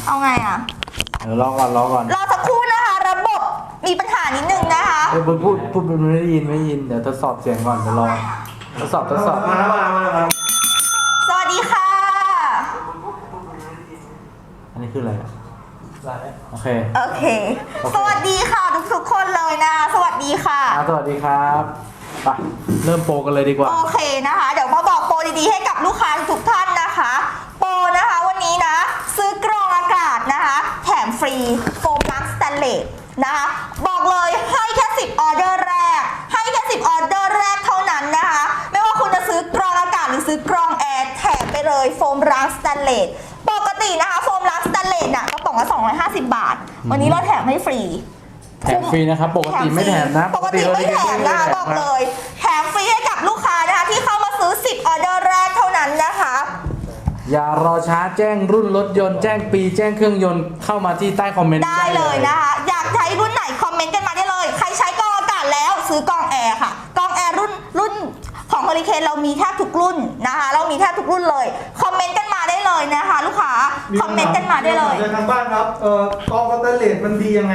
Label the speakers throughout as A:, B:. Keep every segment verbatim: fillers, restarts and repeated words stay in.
A: เอาไงอ่ะ
B: เดี๋ยวรอก่อนรอก่อน
A: รอสักครู่นะคะระบบมีปัญหานิดนึงนะคะ
B: เดี๋ยวพูดพูดมันไม่ได้ยินไม่ได้ยินเดี๋ยวทดสอบเสียงก่อนเดี๋ยวรอทดสอบทดสอบ
C: มามามามา
A: สวัสดีค่ะ
B: อันนี้คืออะไรอ่ะโอเค
A: โอเคสวัสดีค่ะทุกทุกคนเลยนะสวัสดีค่ะ
B: สวัสดีครับไปเริ่มโปรกันเลยดีกว่า
A: โอเคนะคะเดี๋ยวมาบอกโปรดีๆให้กับลูกค้าทุกท่านนะคะโปรนะคะวันนี้นะซื้อกรองอากาศนะคะแถมฟรีโฟมล้างสแตนเลสนะคะบอกเลยให้แค่สิบออเดอร์แรกให้แค่สิบออเดอร์แรกเท่านั้นนะคะไม่ว่าคุณจะซื้อกรองอากาศหรือซื้อกรองแอร์แถมไปเลยโฟมล้างสแตนเลสปกตินะคะโฟมล้างสแตนเลสน่ะกระป๋องละสองร้อยห้าสิบบาทวันนี้เราแถมให้ฟรี
B: แถมฟรีนะครับปกติไม่แถมนะ
A: ปกติไม่แถมนะคะบอกเลยแถมฟรีให้กับลูกค้านะคะที่เข้ามาซื้อสิบออเดอร์แรกเท่านั้นนะคะ
B: อย่ารอช้าแจ้งรุ่นรถยนต์แจ้งปีแจ้งเครื่องยนต์เข้ามาที่ใต้คอมเมนต์
A: ได้เลยนะคะอยากใช้รุ่นไหนคอมเมนต์กันมาได้เลยใครใช้กรองอากาศแล้วซื้อกรองแอร์ค่ะกรองแอร์รุ่นรุ่นของเฮอริเคนเรามีแทบทุกรุ่นนะคะเรามีแทบทุกรุ่นเลยคอมเมนต์กันมาได้เลยนะคะลูกค้าคอมเมนต์กันมาได้เลย
C: ทางบ้านครับเอ่อกรองสแตนเลสมันดียังไง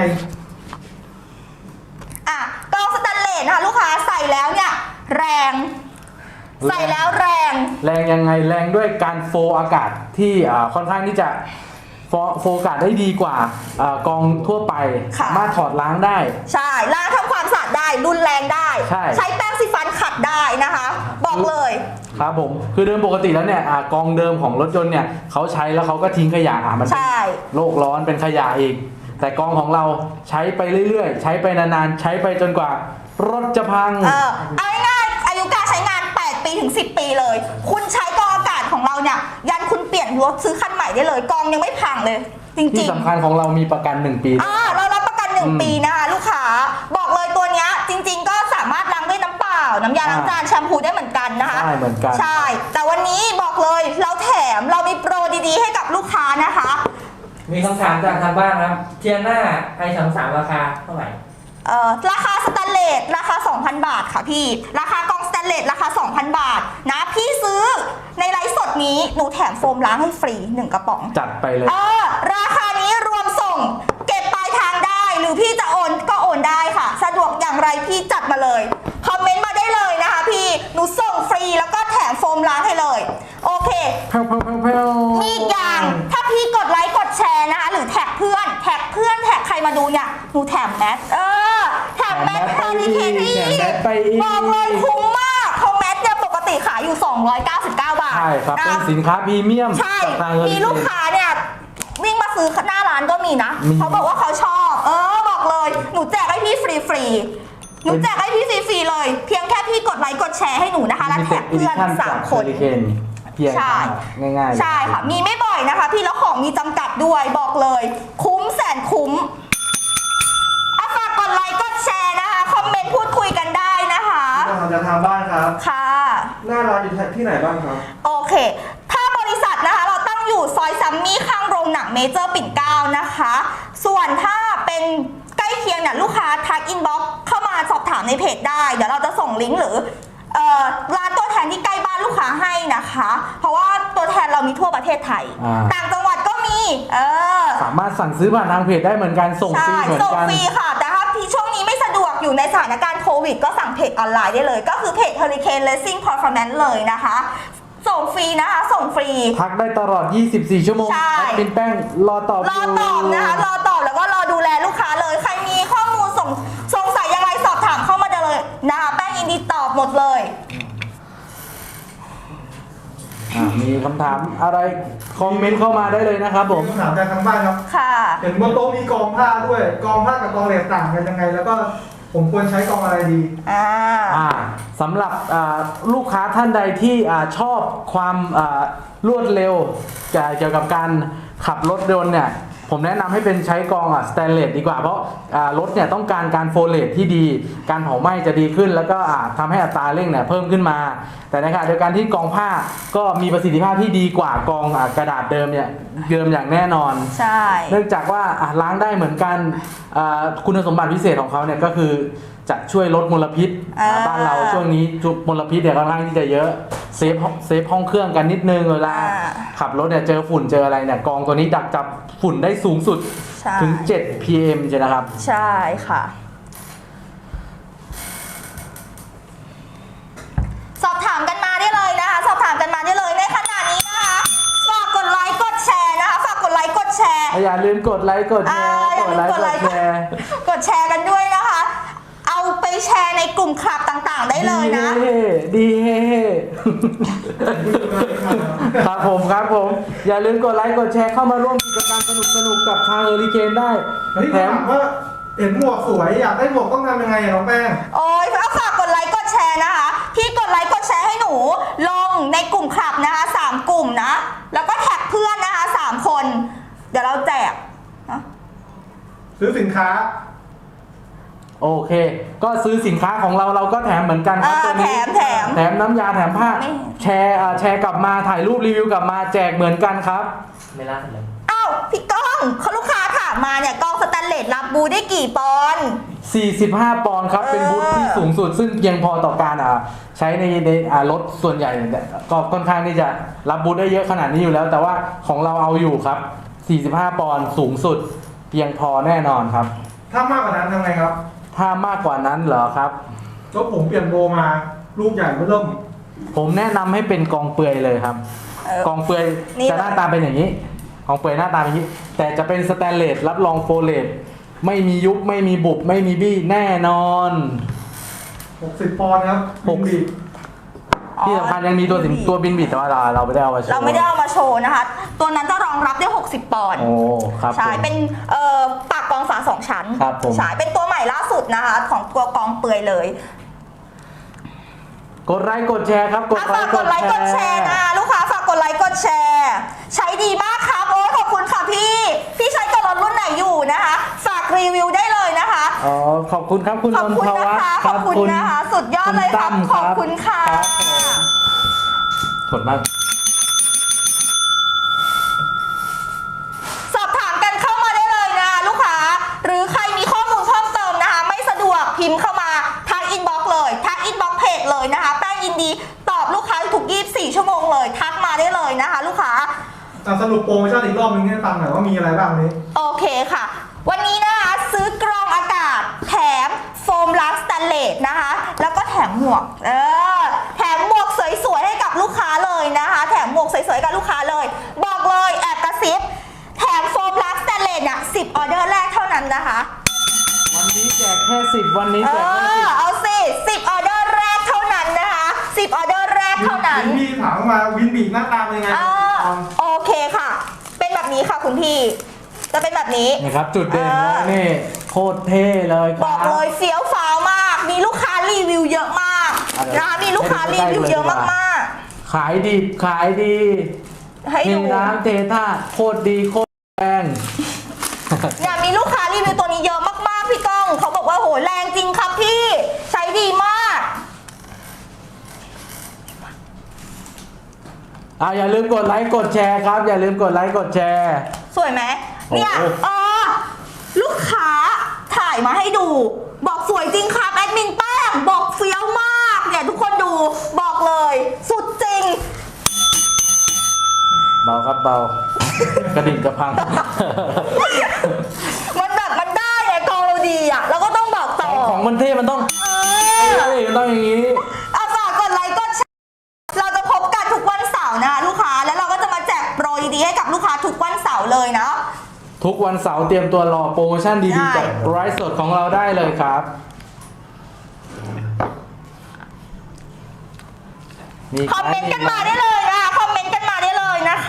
A: อ่ะกรองสแตนเลสนะคะลูกค้าใส่แล้วเนี่ยแรงใส่แล้วแรง
B: แรงยังไงแรงด้วยการโฟอากาศที่ค่อนข้างที่จะโฟโฟอากาศได้ดีกว่ากองทั่วไปสามารถถอดล้างได้
A: ใช่ล้างทำความสะอาดได้รุนแรงได้ใใช้แป้งสีฟันขัดได้นะคะบอกเลย
B: ครับผมคือเดิมปกติแล้วเนี่ยกองเดิมของรถยนต์เนี่ยเขาใช้แล้วเขาก็ทิ้งขยะอ่ะมันโลกร้อนเป็นขยะอีกแต่กองของเราใช้ไปเรื่อยๆใช้ไปนานๆใช้ไปจนกว่ารถจะพัง
A: เออเอาง่ายๆอายุการใช้งานแปดปีถึงสิบปีเลยคุณใช้กรองอากาศของเราเนี่ยยันคุณเปลี่ยนรถซื้อคันใหม่ได้เลยกองยังไม่พังเลยจริงๆ
B: ที่สำคัญของเรามีประกันหนึ่งปี
A: อ่าเรารับประกันหนึ่งปีนะคะลูกค้าบอกเลยตัวเนี้ยจริงๆก็สามารถล้างด้วยน้ำเปล่าน้ำยาล้างจานแชมพูได้เหมือนกันนะคะ
B: ใช่เหมือนกัน
A: ใช่แต่วันนี้บอกเลยเราแถมเรามีโปรดีๆให้กับลูกค้านะคะ
D: มีคำถามจากทางบ้านครับเทียน่าไอสามสามราคาเท่าไหร่
A: เอ่อราคาสแตนเลสราคา สองพัน บาทค่ะพี่ราคากล่องสแตนเลสราคา สองพัน บาทนะพี่ซื้อในไลฟ์สดนี้หนูแถมโฟมล้างให้ฟรีหนึ่งกระป๋อง
B: จัดไปเลย
A: เออราคานี้รวมส่งเก็บปลายทางได้หรือพี่จะโอนก็โอนได้ค่ะสะดวกอย่างไรพี่จัดมาเลยคอมเมนต์มาได้เลยนะคะพี่หนูส่งฟรีแล้วก็แถมโฟมล้างให้เลยโอเคมีอีกอย่างถ้าพี่กดไลค์กดแชร์นะคะหรือแท็กเพื่อนแท็กเพื่อนแท็กใครมาดูเนี่ยหนูแถมแมสเออแถมแมสเฮอริเคนที่บอกเลยคุ้มมากเพราะแมสเนี่ยปกติขายอยู่สองร้อยเก้าสิบเก้าบาท
B: ใช่ครับเป็นสินค้าพรีเมียม
A: ใช่มีลูกค้าเนี่ยวิ่งมาซื้อหน้าร้านก็มีนะเขาบอกว่าเขาชอบเออบอกเลยหนูแจกให้พี่ฟรีฟรีหนูแจกให้พี่ฟรีๆเลยเพียงแค่พี่กดไลค์กดแชร์ให้หนูนะคะแล้วแท็กเพื่อนสามคน
B: ใช่ง่าย
A: ๆใช่ค่ะมีไม่บ่อยนะคะพี่แล้วของมีจำกัดด้วยบอกเลยคุ้มแสนคุ้มอ่ะฝากกดไลค์กดแชร์นะคะคอมเมนต์พูดคุยกันได้นะคะ
C: จะทางบ้านครับ
A: ค่ะ
C: หน้าร้านอยู่ที่ไหนบ้างครับ
A: โอเคถ้าบริษัทนะคะเราตั้งอยู่ซอยซัมมี่ข้างโรงหนังเมเจอร์ปิ่นเกล้านะคะส่วนถ้าเป็นใกล้เคียงเนี่ยลูกค้าทักอินบ็อกซ์เข้ามาสอบถามในเพจได้เดี๋ยวเราจะส่งลิงก์หรือร้านตัวแทนที่ใกล้บ้านลูกค้าให้นะคะเพราะว่าตัวแทนเรามีทั่วประเทศไทยต่างจังหวัดก็มีเออ
B: สามารถสั่งซื้อผ่านทางเพจได้เหมือนกันส่งฟรีเหมือนกัน
A: ส่งฟรีค่ะแต่ถ้าพี่ช่วงนี้ไม่สะดวกอยู่ในสถานการณ์โควิดก็สั่งเพจออนไลน์ได้เลยก็คือเพจ Hurricane Racing Performance เลยนะคะส่งฟรีนะคะส่งฟรี
B: ทักได้ตลอดยี่สิบสี่ชั่วโมงเป็นแป้งรอตอบ
A: รอตอบนะคะรอตอบแล้วก็รอดูแลลูกค้าเลยใครมีข้อมูลส่งสงสัยยังไงสอบถามเข้ามาได้เลยนะคะแป้งยินดีตอบหมดเลย
B: มีคำถามอะไรคอมเมนต์เข้ามาได้เลยนะครับผม
C: คำถามจากทางบ้านครับ
A: ค่ะ
C: เห็นบนโต๊ะมีกองผ้าด้วยกองผ้ากับกองเหล็กต่างกันยังไงแล้วก็ผมควรใช้กองอะไรดี
A: อ่า
B: อ่าสำหรับลูกค้าท่านใดที่ชอบความรวดเร็วเกี่ยวกับการขับรถยนต์เนี่ยผมแนะนำให้เป็นใช้กองสแตนเลสดีกว่าเพราะรถเนี่ยต้องการการโฟเลตที่ดีการเผาไหม้จะดีขึ้นแล้วก็ทำให้อัตราเร่งเนี่ยเพิ่มขึ้นมาแต่ในขณะเดียวกันที่กองผ้าก็มีประสิทธิภาพที่ดีกว่ากองกระดาษเดิมเนี่ยเดิมอย่างแน่นอน
A: ใช่
B: เนื่องจากว่าล้างได้เหมือนกันคุณสมบัติพิเศษของเขาเนี่ยก็คือจะช่วยลดมลพิษบ้านเราช่วงนี้มลพิษเนี่ยค่อนข้างที่จะเยอะเซฟเซฟห้องเครื่องกันนิดนึงเวลา
A: อ่า
B: ขับรถเนี่ยเจอฝุ่นเจออะไรเนี่ยกองตัวนี้ดักจับฝุ่นได้สูงสุด
A: ใช่
B: ถึง เจ็ด พี เอ็ม ใช่นะครับ
A: ใช่ค่ะ สอบถามกันมาได้เลยนะคะ สอบถามกันมาได้เลยในขณะนี้นะคะ ฝากกดไลค์กดแชร์นะคะ ฝากกดไลค์กดแชร์
B: อย่าลืมกดไลค์กดแชร์
A: อ่าอย่าลืมกดไลค์
B: กดแชร์
A: กดแชร์กันด้วยนะคะ เอาไปแชร์ในกลุ่มคลับต่างๆ ได้เลยนะ
B: ดีเฮ่ดีเฮ่ครับผมครับผม อย่าลืมกดไลค์กดแชร์เข้ามาร่วมกิจกรรมสนุกๆกับทางเฮอริเคนได้
C: เฮ้ย
B: แถ
C: ถาม มว่าเห็นหมวกสวยอยากได้หมวกต้องทำยังไงอะน้องแป้ง
A: โอ้ยฝากกดไลค์กดแชร์นะคะ พี่กดไลค์กดแชร์ให้หนู ลงในกลุ่มคลับนะคะสามกลุ่มนะ แล้วก็แท็กเพื่อนนะคะสามคน เดี๋ยวเราแจกนะ
C: ซื้อสินค้า
B: โอเค ก็ซื้อสินค้าของเราเราก็แถมเหมือนกันครับ
A: อ่า
B: ตัวนี้
A: แถมแถม
B: แถมน้ำยาแถมผ้า
A: ไม่
B: แชร์อ่าแชร์กลับมาถ่ายรูปรีวิวกลับมาแจกเหมือนกันครับ
D: ไม่รักเลย
A: อ้าวพี่ก้องเขาลูกค้าถามมาเนี่ยกล้องสแตนเลสรับบูได้กี่ปอนด์
B: สี่สิบห้า ปอนด์ครับ เป็นบูธที่สูงสุด ซึ่งเพียงพอต่อการอ่าใช้ในในอ่ารถส่วนใหญ่เนี่ยก็ค่อนข้างที่จะรับบูธได้เยอะขนาดนี้อยู่แล้ว แต่ว่าของเราเอาอยู่ครับ สี่สิบห้า ปอนด์สูงสุด เพียงพอแน่นอนครับ
C: ถ้ามากกว่านั้นทำไงครับ
B: ถ้ามากกว่านั้นเหรอครับ
C: ก็ผมเปลี่ยนโบมาลูกใหญ่เริ่ม
B: ผมแนะนำให้เป็นกองเปลือยเลยครับ
A: เออก
B: องเปลือย
A: นี่
B: จะหน้าตาเป็นอย่างนี้กองเปลือยหน้าตาเป็นอย่างนี้ แต่จะเป็นสแตนเลสรับรองโฟเลตไม่มียุบไม่มีบุบไม่มีบี้แน่นอน
C: หกสิบปอนด์ครับ
B: หกสิบ ที่สำคัญยังมีตัวสินตัวบินบิดแต่ว่าเราเราไม่ได้เอามาโชว์
A: เราไม่ได้เอามาโชว์นะคะ ตัวนั้นจะรองรับได้ หกสิบ ปอนด์
B: โอ้ครับ
A: ใช่
B: ผม
A: เป็นเอ่อปากกองฝาสองชั้น
B: ครับผม
A: ใช่เป็นตัวใหม่ล่าสุดนะคะ ของตัวกองเปลือยเลย
B: กดไลค์กดแชร์ครับกด
A: อ่ะ
B: ไล
A: ฝาก
B: ค์
A: กดไลค์กดแชร์นะลูกค้าฝากกดไลค์กดแชร์ ใช้ดีมากครับโอ้ยขอบคุณค่ะพี่ พี่ใช้กับรถรุ่นไหนอยู่นะคะ ฝากรีวิวได้เลยนะคะ
B: อ๋อขอบคุณครับคุณ
A: ขอบ
B: นน
A: คุณ
B: ท
A: นะ
B: วัฒน์
A: คะ
B: ค
A: ข
B: รั
A: อบบ คุณนะคะ สุดยอดเลยครับ
B: ณตั้ม
A: ขอบคุณค่ะ
B: รับผมกดมาก
A: สอบถามกันเข้ามาได้เลยนะลูกค้า หรือใครมีข้อมูลเพิ่มเติมนะคะ ไม่สะดวกพิมพ์เข้ามาทักอินบ็อกซ์เลยทักอินบ็อกซ์เพจเลยนะคะแป้งยินดีตอบลูกค้าทุกยี่สิบสี่ชั่วโมงเลย ทักมาได้เลยนะคะ ลูกค้า
C: อ่ะสรุปโปรโมชั่นอีกรอบนึงให้ฟังหน่อยว่ามีอะไรบ้างวันนี้
A: โอเคค่ะ วันนี้นะคะซื้อกรองอากาศแถมโฟมล้างสแตนเลสนะคะ แล้วก็แถมหมวก เออ แถมหมวกสวยๆให้กับลูกค้าเลยนะคะ แถมหมวกสวยๆให้กับลูกค้าเลย บอกเลยแอบกระซิบ แถมโฟมล้างสแตนเลสเนี่ยสิบออเดอร์แรกเท่านั้นนะคะ
B: วันนี้แจกแค่สิบวันนี้
A: เอ
B: แจกแค่สิ
A: อบ เอาสิสิบออเดอร์แรกเท่านั้นนะคะสิบออเดอร์แรกเท่านั้น
C: วินพี่ถามมาวินบีกหน้าตาเป็นยังไง
A: อ่าโอเคค่ะ เป็นแบบนี้ค่ะคุณพี่ จะเป็นแบบนี้
B: นี่ครับจุดเด่น
A: เออ
B: เลยนี่โคตรเท่เลยค
A: บ
B: รั
A: อบ กเลยเฟี้ยวฟ้าวมาก มีลูกค้ารีวิวเยอะมาก
B: อ่ะเดี๋ยว
A: นะคะมีลูกค้ารีวิวเยอะมาก
B: ขายดีขายดี
A: ๆ ให้
B: เท
A: ดู
B: น้ำเทท่าโคตรดีโคตรแรง
A: เนี่ยมีลูกค้ารีวิวตัวนี้เยอะมากๆพี่ก้อง เขาบอกว่าโหแรงจริงครับพี่ ใช้ดีมาก
B: อ่าอย่าลืมกดไลค์กดแชร์ครับ อย่าลืมกดไลค์กดแชร์
A: สวยไหมเนี่ย
B: โอ้โห
A: เออลูกค้าถ่ายมาให้ดู บอกสวยจริงครับแอดมินแป้งบอกเฟี้ยวมากเนี่ยทุกคนดูบอกเลย สุดจริง
B: เบาครับเบากระดิ่งกระพัง
A: มันแบบมันได้ไงกองเราดีอ่ะเราก็ต้องบอกต่อ
B: ของมันเท่มันต้อง
A: เอ
B: เอ้
A: อย
B: มันต้องอย่างนี้
A: เอาฝากกดไลค์กดแชร์เราจะพบกันทุกวันเสาร์นะลูกค้าแล้วเราก็จะมาแจกโปรดีๆให้กับลูกค้าทุกวันเสาร์เลยนะ
B: ทุกวันเสาร์เตรียมตัวรอโปรโมชั่นดี
A: ได้
B: ๆจากไลฟ์สดของเราได้เลยครับมี
A: คอมเมนต์กันมาได้เลยนะคะคอมเมนต์กันมาได้เลยนะคะ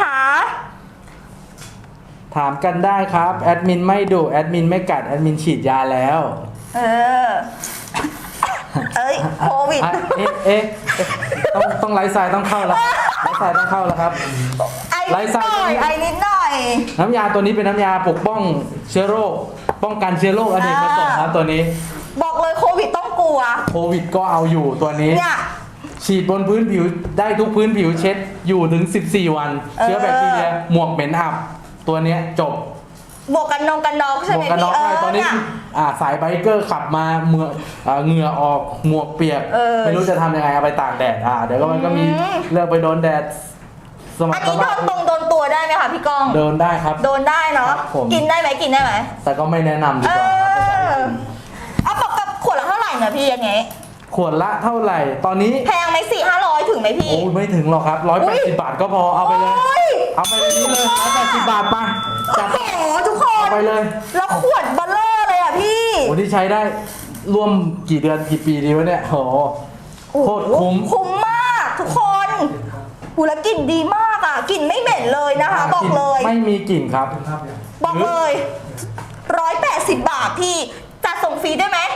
B: ถามกันได้ครับ แอดมินไม่ดุแอดมินไม่กัด แอดมินฉีดยาแล้ว
A: เออ เอ้ยโควิด
B: อ่ะเอ๊ะเอ๊ะเอ๊ะต้องต้องไลฟ์สไตล์ต้องเข้าแล้วไลฟ์สไตล์ต้องเข้าแล้วครับ
A: ไอ้
B: ไล
A: นิ
B: ฟ์
A: ด
B: สไต
A: ห
B: ล์
A: น่อยไอ้นิดหน่อย
B: น้ำยาตัวนี้เป็นน้ำยาปกป้องเชื้อโรค ป้องกันเชื้อโรคอเนกประสงค์ครับตัวนี้
A: บอกเลยโควิดต้องกลัว
B: โควิดก็เอาอยู่ตัวนี้
A: เนี่ย
B: ฉีดบนพื้นผิวได้ทุกพื้นผิวเช็ดอยู่ถึง สิบสี่ วัน
A: เออ
B: เชื้อแบคทีเรียหมวกเหม็นอับ ตัวเนี้ยจบ
A: บวกกันนองกันนอกใช่
B: หม
A: ไห
B: ว
A: ม
B: กกันน็อก
A: พี่เอ
B: ให้
A: อ
B: ตอนนี้
A: เนี่ย
B: อ่าสายไบเกอร์ขับมาเมืออ่าเหงื่อออกหมวกเปียก
A: เออ
B: ไม่รู้จะทำยังไงเอาไปตากแดดอ่าเดี๋ยวก็มันก็มี
A: อืม
B: เลือกไปโดนแดดสมั
A: อั
B: คน ร
A: นี้โดนตรงโดนตัวได้ไหมคะพี่ก้อง
B: โดนได้ครับ
A: โดนได้เนาะ
B: ครับผม
A: กินได้ไหมกินได้ไหม
B: แต่ก็ไม่แนะนำดี
A: เอก
B: ว่าครับ
A: อเอาปกกับขวดละเท่าไหร่เนี่ยพี่อย่างเงี้ย
B: ขวดละเท่าไหร่ ตอนนี้
A: แพงไหมสี่ห้าร้อยถึงไหมพี่
B: โอ้ยไม่ถึงหรอกครับร้อยแปดสิบบาทก็พอเอาไปเลย
A: โอ้ย
B: เอาไปเลยนี่เลยร้อยแปดสิบบาทมาจัด
A: โอ้โหทุกคน
B: เอาไปเลย
A: แล้วขวดเบลเลอร์เลยอ่ะพี่
B: โอ้ที่ใช้ได้ร่วมกี่เดือนกี่ปีดีวะเนี่ยโหโคตรคุ้ม
A: คุ้มมากทุกคนอูแล้วกลิ่นดีมากอ่ะกลิ่นไม่เหม็นเลยนะคะ บอกเลย
B: ไม่มีกลิ่นครับ
A: บอกเลยร้อยแปดสิบบาทพี่จัดส่งฟรีได้ไหม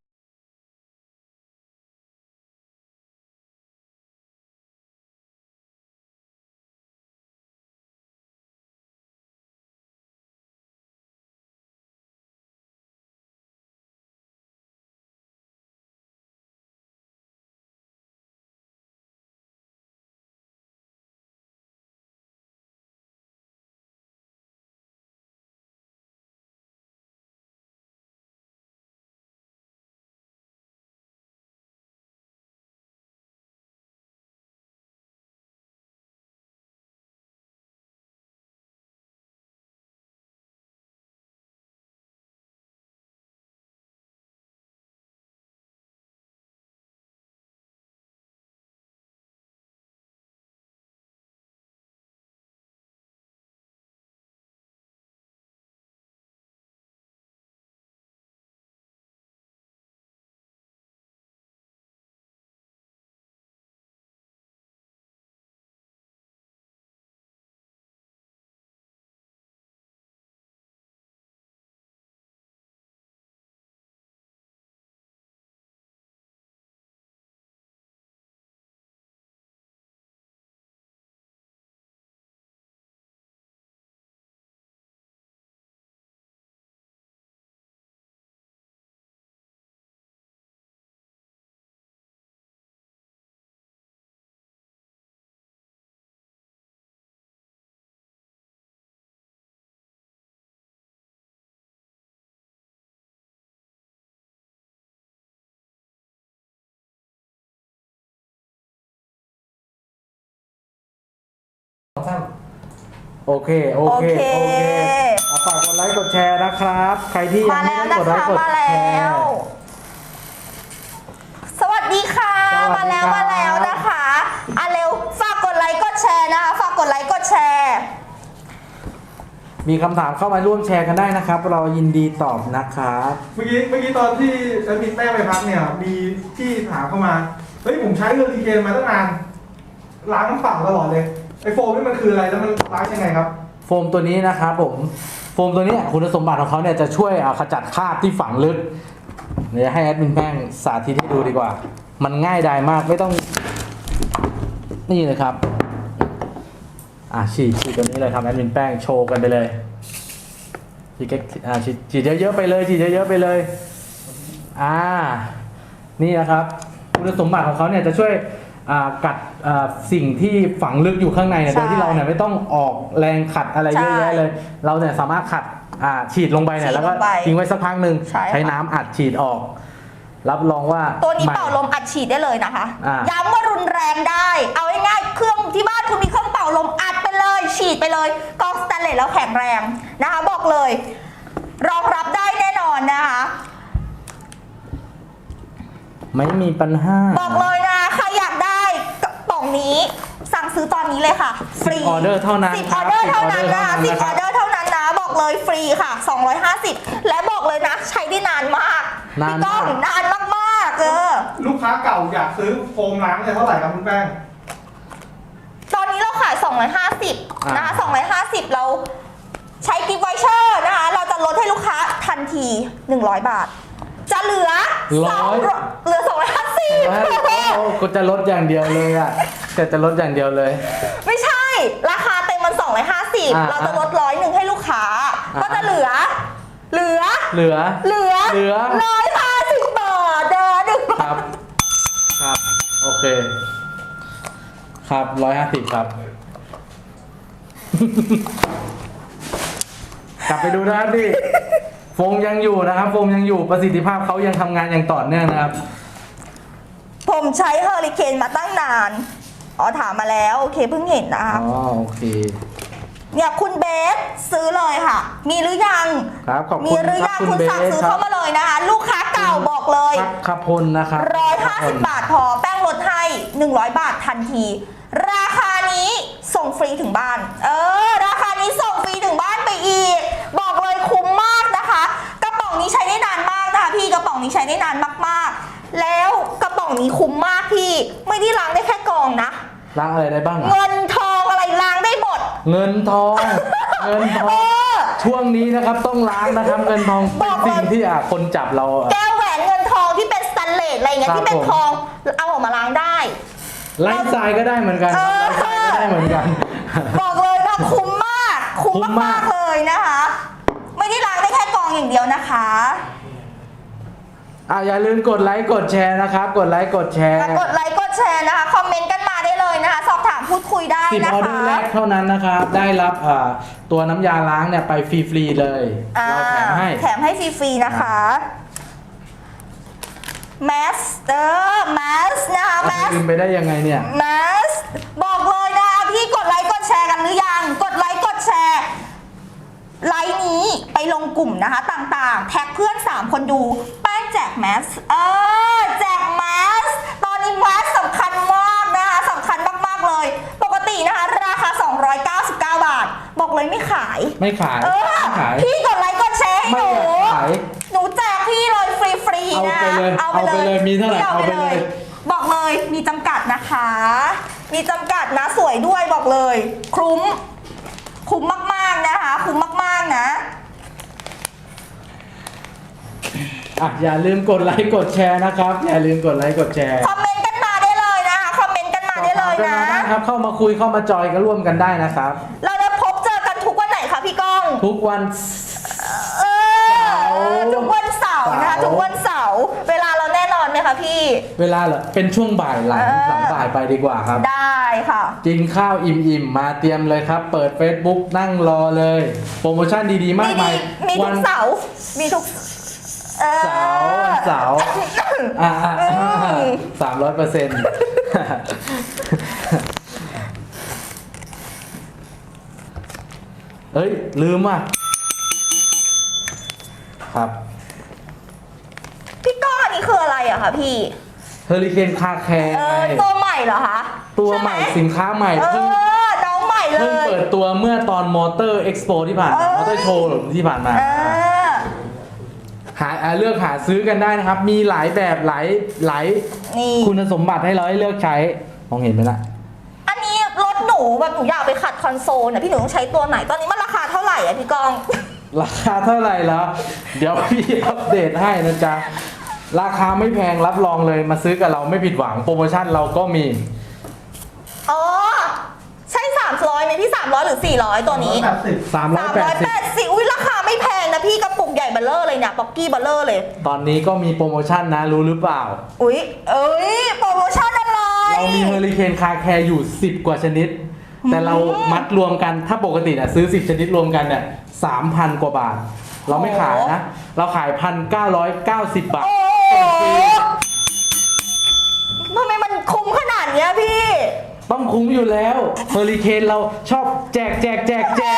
B: โอเค โอเค โอเคเอาฝากกดไลค์กดแชร์นะครับ ใครที่ยั
A: มาง
B: ไม่
A: แล้ว
B: ได้
A: นะ
B: กดไลค์กด
A: คะมา
B: แช
A: แล้ว
B: ร์
A: สวัสดีค่ะ
B: สวั
A: มา
B: สดี
A: แล้ว
B: ครับ
A: มาแล้วนะคะอ่ะเร็วฝากกดไลค์กดแชร์นะคะฝากกดไลค์กดแชร์
B: มีคำถามเข้ามาร่วมแชร์กันได้นะครับ เรายินดีตอบนะครับ
C: เมื่อกี้เมื่อกี้ตอนที่แอดมินแป้งไปพักเนี่ย มีที่ถามเข้ามา เฮ้ยผมใช้เฮอริเคนมาตั้งนาน ล้างฝั่งตลอดเลย ไอโฟมนี่มันคืออะไรแล้วมันล้างยังไงครับ
B: โฟมตัวนี้นะครับผม โฟมตัวนี้คุณสมบัติของเขาเนี่ยจะช่วยอ่าขจัดคราบที่ฝังลึก เดี๋ยวให้แอดมินแป้งสาธิตให้ดูดีกว่า มันง่ายดายมากไม่ต้อง นี่เลยครับ อ่าฉีดฉีดตัวนี้เลยครับแอดมินแป้งโชว์กันไปเลยฉีดแค่อ่าฉีดฉีดเยอะๆไปเลยฉีดเยอะๆไปเลย อ่า นี่นะครับ คุณสมบัติของเขาเนี่ยจะช่วยอ่ากัดอ่าสิ่งที่ฝังลึกอยู่ข้างในเนี่ย
A: ใช่
B: โดยที่เราเนี่ยไม่ต้องออกแรงขัดอะไรเยอะแยะเลย เราเนี่ยสามารถขัดอ่าฉีดลงไปเนี่ยแล้วก็
A: ฉีดลงไป
B: ทิ้งไว้สักพักหนึ่ง
A: ใช่ค่ะ
B: ใช้น้ำอัดฉีดออก รับรองว่า
A: ตัวนี้
B: ใหม่
A: เป่าลมอัดฉีดได้เลยนะคะ
B: อ่า
A: ย้ำว่ารุนแรงได้ เอาง่ายๆเครื่องที่บ้านคุณมีเครื่องเป่าลมอัดไปเลย ฉีดไปเลยกองสแตนเลสแล้วแข็งแรงนะคะ บอกเลย รองรับได้แน่นอนนะคะ
B: ไม่มีปัญหา
A: บอกเลยนะใครอยากได้กระป๋องนี้สั่งซื้อตอนนี้เลยค่ะ ฟรี
B: สิบออเดอร์เท่านั้น
A: สิบ
B: ค
A: อ
B: รั
A: อบ เดอร์เท่านั้น
B: สิบ
A: นะ
B: ออเด
A: สิ
B: อบ ร์
A: ออเดอร์เท่านั้นนะบอกเลยฟรีค่ะสองร้อยห้าสิบและบอกเลยนะใช้ได้นานมาก
B: นาน
A: พี่ก้อง
B: มาก
A: นานมากๆเออ
C: ลูกค้าเก่าอยากซื้อโฟมล้างเนี่ยเท่าไหร่ครับคุณแป้ง
A: ตอนนี้เราขายสองร้อยห้าสิบ
B: อ่าน
A: นะคะสองร้อยห้าสิบเราใช้กิฟต์ไวเชอร์นะคะ เราจะลดให้ลูกค้าทันทีหนึ่งร้อยบาท จะเหลือ
B: ร้อย
A: สองเหลือสองร้อยห้าสิบ
B: โอ้ก็จะลดอย่างเดียวเลยอ่ะแต่จะลดอย่างเดียวเลย
A: ไม่ใช่ ราคาเต็มมันสองร้อยห้าสิบ
B: อ่า
A: เราจะลดร้อยหนึ่งให้ลูกค้า
B: อ่า
A: ก็จะเหลือ เหลือ
B: เหลือ
A: เหลือ
B: เหลือ
A: ร้อยห้าสิบบาทเด้อหนึ่ง
B: ครับ ครับ โอเค ครับร้อยห้าสิบครับ กลับไปดูนะครับพี่โฟมยังอยู่นะครับโฟมยังอยู่ประสิทธิภาพเขายังทำงานอย่างต่อเนื่องนะครับ
A: ผมใช้เฮอริเคนมาตั้งนาน อ๋อถามมาแล้วโอเคเพิ่งเห็นนะคะ
B: อ๋อโอเค
A: เนี่ยคุณเบสซื้อเลยค่ะ มีหรือยัง
B: ครับขอบ
A: มี
B: คุณ
A: หรือ
B: ครั
A: ยั
B: บ
A: ง
B: คุณ
A: คุณ
B: เบ
A: สั่ง
B: ส
A: ซื้อ
B: ครั
A: เข้า
B: บ
A: มาเลยนะคะ ลูกค้าเก่าบอกเลย
B: พักขพลนะครับ
A: ร้อยห้าสิบบาทพอแป้งลดให้หนึ่งร้อยบาททันที ราคานี้ส่งฟรีถึงบ้าน เออ ราคานี้ส่งฟรีถึงบ้านไปอีก บอกเลยคุ้มมากนะคะ กระป๋องนี้ใช้ได้นานมากนะคะพี่กระป๋องนี้ใช้ได้นานมากๆ แล้วกระป๋องนี้คุ้มมากพี่ ไม่ได้ล้างได้แค่กรองนะ
B: ล้างอะไรได้บ้างอะ
A: เงินทองอะไรล้างได้หมด
B: เงินทอง เงินทอ
A: เอง อ
B: ช่วงนี้นะครับต้องล้างนะครับเงินทองเป็นสิ่งที่อ่ะคนจับเราอ่ะ
A: แก้วแหวนเงินทองที่เป็นสแตนเลสอะไรเงี้ย
B: ครับ
A: ที่เป็น
B: ผม
A: ทองเอาออกมาล้างได้
B: ไลฟ์สไตล์ก็ได้เหมือนกัน
A: เออ
B: ไลฟ์สไตล์ก็ได้เหมือนกัน
A: บอกเลยนะคุ้มมาก คุ้ม
B: คุ้มมาม
A: าก กๆเลยนะคะ ไม่ได้ล้างได้แค่กรองอย่างเดียวนะคะ
B: อ่ะอย่าลืมกดไลค์กดแชร์นะครับ กดไลค์กดแชร์
A: กดไลค์กดแชร์นะคะ คอมเมนต์กันมาได้เลยนะคะ สอบถามพูดคุยได้
B: สิบ
A: นะ
B: ออเดอ
A: คะ
B: ร์แรกเท่านั้นนะครับ ได้รับอ่าตัวน้ำยาล้างเนี่ยไปฟรีๆเลย
A: อ่า
B: เราแถมให้
A: แถมให้ฟรีๆนะคะแมสเออแมสนะคะ
B: เอา
A: แม
B: ไป
A: ส
B: ลืมไปได้ยังไงเนี่ย
A: แมสบอกเลยนะพี่กดไลค์กดแชร์กันหรือยัง กดไลค์กดแชร์ไลค์นี้ไปลงกลุ่มนะคะต่างๆ แท็กเพื่อน สาม คนดูแป้งแจกแมสเออแจกแมสตอนนี้แมสสำคัญมากนะคะสำคัญมากๆเลย ปกตินะคะราคา สองร้อยเก้าสิบเก้า บาท บอกเลยไม่ขาย
B: ไม่ขาย
A: เออ
B: ไม่ขาย
A: พี่กดไลค์กดแชร์ให้
B: ไม่
A: หนู
B: อยากขาย
A: หนูแจกพี่เลยฟรีๆนะ
B: เอาไปเลยเอาไปเลยมีเท่าไหร่
A: พี่
B: เอาไปเลย
A: บอกเลยมีจำกัดนะคะ มีจำกัดนะสวยด้วยบอกเลย คุ้ม คุ้มมากๆนะคะ คุ้มมากๆนะ
B: อ่ะอย่าลืมกดไลค์กดแชร์นะครับ อย่าลืมกดไลค์กดแชร์
A: คอมเมนต์กันมาได้เลยนะคะ คอมเมนต์กันมาได้เลยนะ
B: ได้ครับเข้ามาคุยเข้ามาจอยกันร่วมกันได้นะครับ
A: เราจะพบเจอกันทุกวันไหนคะพี่ก้อง
B: ทุกวัน
A: เออทุกวันเสาร์นะคะ
B: เสาร์
A: ทุกวันเสาร์เวลาเราแน่นอนไหมคะพี่
B: เวลาเหรอเป็นช่วงบ่ายหลัง
A: เออ
B: หลังบ่ายไปดีกว่าครับ
A: ได้ค่ะ
B: กินข้าวอิ่มๆ มาเตรียมเลยครับ เปิด Facebook นั่งรอเลย โปรโมชั่นดีๆ มากมาย
A: มีทุ
B: วั
A: กเสาร์มีทุกเออ
B: เสาร์วันเสาร์อ่าสามร้อยเปอร์เซ็นต์เอ้ย ลืมอ่ะ ครับ
A: พี่ก้อนนี่คืออะไรอะคะพี่
B: เฮอริเคนคาแคร์
A: เอ
B: ไง
A: อตัวใหม่เหรอคะ
B: ตัวใหม่
A: ช่ไ
B: สินค้าใหม่
A: เอ
B: เพิ่ง
A: อน้องใหม่เล
B: เพิ่ง
A: ย
B: เปิดตัวเมื่อตอนมอเตอร์เอ็กซ์โปที่ผ่าน
A: เอ
B: มา
A: อ
B: มอเตอร์โชว์ที่ผ่านมา
A: เออ
B: หาอ่าเลือกหาซื้อกันได้นะครับ มีหลายแบบหลายหลาย
A: นี่
B: คุณสมบัติให้เราให้เลือกใช้ มองเห็นไหมล่ะ
A: อันนี้รถหนูแบบหนูอยากไปขัดคอนโซลนะพี่หนูต้องใช้ตัวไหน ตอนนี้มันราคาเท่าไหร่อะพี่กอง
B: ราคาเท่าไหร่แล้ว เดี๋ยวพี่อัปเดตให้นะจ๊ะ ราคาไม่แพงรับรองเลยมาซื้อกับเราไม่ผิดหวังโปรโมชั่นเราก็มี
A: อ๋อ ใช่สามร้อยไหมพี่สามร้อยหรือสี่ร้อยตัวนี้
C: แปดสิบ
B: สามร้อยแปดสิบ
A: แปดสิบอุ้ยราคาไม่แพงนะพี่กระปุกใหญ่เบลเลอร์เลยเนี่ยป๊อกกี้เบลเลอร์เลย
B: ตอนนี้ก็มีโปรโมชั่นนะรู้หรือเปล่า
A: อุ้ยเอ้ยโปรโมชั่นอะไร
B: เรามีเฮอริเคนคาแคร์อยู่ สิบ กว่าชนิด แต่เรามัดรวมกันถ้าปกติน่ะซื้อ สิบ ชนิดรวมกันเนี่ยสามพัน กว่าบาท เราไม่ขายนะ เราขาย หนึ่งพันเก้าร้อยเก้าสิบ บาท
A: โอ้
B: ส่งฟรี
A: ทำไมมันคุ้มขนาดเนี้ยพี่
B: ต้องคุ้มอยู่แล้วเฮอริเคนเราชอบแจกแจกแจกแจก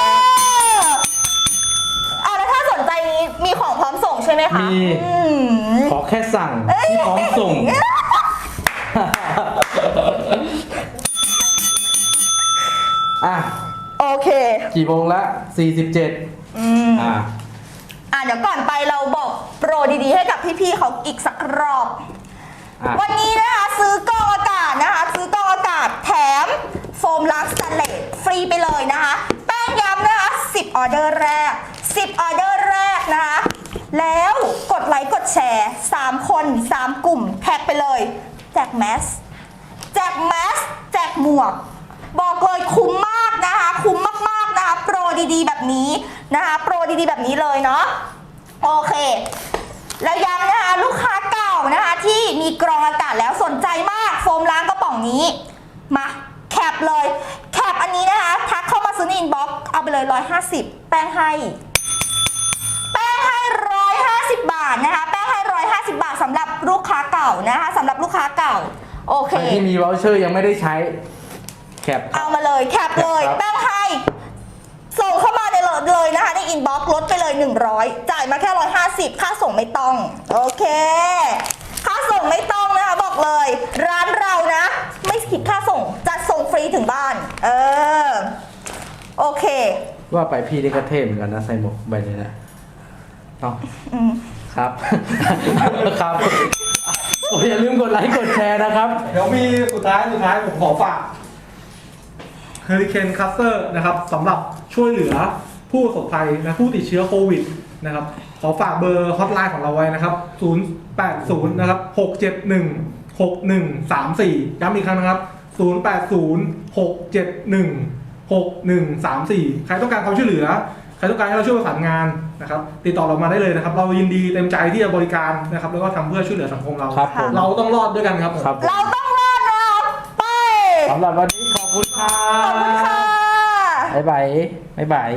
A: อ่ะแล้วถ้าสนใจนี้มีของพร้อมส่งใช่ไหมคะ
B: มี
A: อืม
B: ขอแค่สั่งที่พร้อมส่ง อ่ะ
A: โอเค
B: กี่โมงละ สี่สิบเจ็ด
A: อืม
B: อ่ะ
A: อ่ะเดี๋ยวก่อนไปเราบอกโปรดีๆให้กับพี่ๆเขาอีกสักรอบ
B: อ่ะ
A: วันนี้นะคะซื้อกรองอากาศนะคะ ซื้อกรองอากาศแถมโฟมล้างสแตนเลสฟรีไปเลยนะคะ แป้งย้ำนะคะสิบออเดอร์แรกสิบออเดอร์แรกนะคะ แล้วกดไลค์กดแชร์สามคนสามกลุ่มแท็กไปเลย แจกแมส แจกแมส แจกหมวก บอกเลยคุ้มมากนะคะ คุ้มมากๆนะคะ โปรดีๆแบบนี้นะคะ โปรดีๆแบบนี้เลยเนาะ โอเค แล้วย้ำนะคะลูกค้าเก่านะคะที่มีกรองอากาศแล้วสนใจมากโฟมล้างกระป๋องนี้มาแคปเลยแคปอันนี้นะคะทักเข้ามาซื้อในอินบ็อกซ์เอาไปเลยหนึ่งร้อยห้าสิบแป้งให้แป้งใาสิบบาทสำหรับลูกค้าเก่านะคะสำหรับลูกค้าเก่าโอเค
B: ใครที่มีวอลเชอร์ยังไม่ได้ใช้แคปครั
A: เอา
B: บ
A: มาเลยแคปเลย
B: ครับ
A: แป้งให้ส่งเข้ามาในเลยนะคะในอินบ็อกซ์ลดไปเลยหนึ่งร้อยจ่ายมาแค่หนึ่งร้อยห้าสิบค่าส่งไม่ต้องโอเคค่าส่งไม่ต้องนะคะบอกเลย ร้านเรานะ ไม่คิดค่าส่งจะส่งฟรีถึงบ้านเออโอเค
B: ว่าไปพี่ได้กระเทพเหมือนกันนะใส่หมวกใบนี้นะเนาะ
A: อืม
B: ครับ ครับโอ้ยอย่าลืมกดไลค์กดแชร์นะครับ
C: เดี๋ยวมีสุดท้ายสุดท้ายผมขอฝากเฮอริเคนคัสเตอร์นะครับสำหรับช่วยเหลือผู้ประสบภัยนะผู้ติดเชื้อโควิดนะครับขอฝากเบอร์ฮอตไลน์ของเราไว้นะครับศูนย์ แปด ศูนย์นะครับหก เจ็ด หนึ่ง หก หนึ่ง สาม สี่ย้ำอีกครั้งนะครับศูนย์ แปด ศูนย์ หก เจ็ด หนึ่ง หก หนึ่ง สาม สี่ ใครต้องการความช่วยเหลือใครต้องการให้เราช่วยประสานงานนะครับติดต่อเรามาได้เลยนะครับเรายินดีเต็มใจที่จะบริการนะครับแล้วก็ทำเพื่อช่วยเหลือสังคมเรา
B: ครับผม
C: เราต้องรอดด้วยกันครับผม
B: ครับ
A: เราต้องรอดนะไป
B: สำหรับวันนี้ขอบคุณครั
A: ขอบคุณ
B: บ
A: ค่ะ
B: บ๊ายบายบ๊ายบาย